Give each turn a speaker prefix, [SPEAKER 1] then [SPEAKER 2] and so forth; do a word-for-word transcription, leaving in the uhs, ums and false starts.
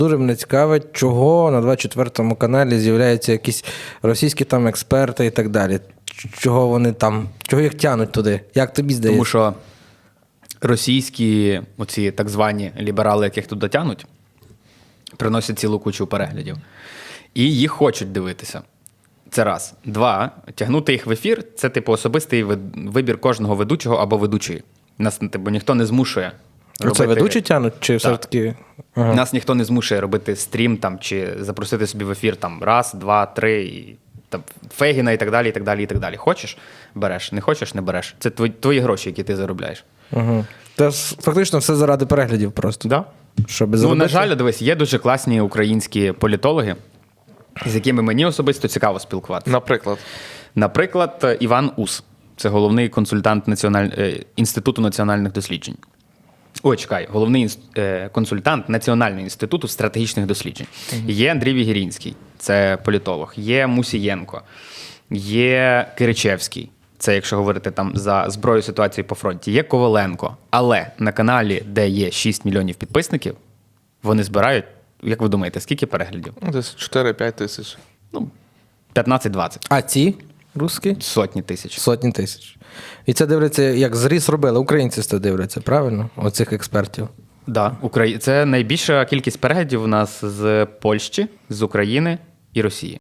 [SPEAKER 1] Дуже мене цікавить, чого на двадцять четвертому каналі з'являються якісь російські там експерти і так далі. Чого вони там, чого їх тянуть туди? Як тобі здається?
[SPEAKER 2] Тому що російські, оці так звані ліберали, яких туди тянуть, приносять цілу кучу переглядів. І їх хочуть дивитися. Це раз. Два. Тягнути їх в ефір – це типу особистий вибір кожного ведучого або ведучої. Нас типу, ніхто не змушує робити...
[SPEAKER 1] Це ведучі тянуть? Чи все-таки...
[SPEAKER 2] Ага. Нас ніхто не змушує робити стрім там, чи запросити собі в ефір там, раз, два, три, і, там, Фегіна і так далі, і так далі, і так далі. Хочеш – береш, не хочеш – не береш. Це твої, твої гроші, які ти заробляєш.
[SPEAKER 1] Угу. Це фактично все заради переглядів просто.
[SPEAKER 2] Да.
[SPEAKER 1] Щоб
[SPEAKER 2] ну,
[SPEAKER 1] заробити...
[SPEAKER 2] на жаль, дивись, є дуже класні українські політологи, з якими мені особисто цікаво спілкуватися.
[SPEAKER 3] Наприклад?
[SPEAKER 2] Наприклад, Іван Ус. Це головний консультант Національ... Інституту національних досліджень. Ой, чекай, головний інс... консультант Національного інституту стратегічних досліджень. Угу. Є Андрій Вігірінський, це політолог. Є Мусієнко. Є Киричевський. Це, якщо говорити там за зброю ситуації по фронті. Є Коваленко. Але на каналі, де є шість мільйонів підписників, вони збирають, як ви думаєте, скільки переглядів?
[SPEAKER 3] Десь чотири-п'ять тисяч.
[SPEAKER 2] Ну, п'ятнадцять-двадцять.
[SPEAKER 1] А ці русські?
[SPEAKER 2] Сотні тисяч.
[SPEAKER 1] Сотні тисяч. І це дивляться, як зріз робили. Українці це дивляться, правильно? Оцих експертів.
[SPEAKER 2] Да, Украї... Це найбільша кількість переглядів у нас з Польщі, з України і Росії.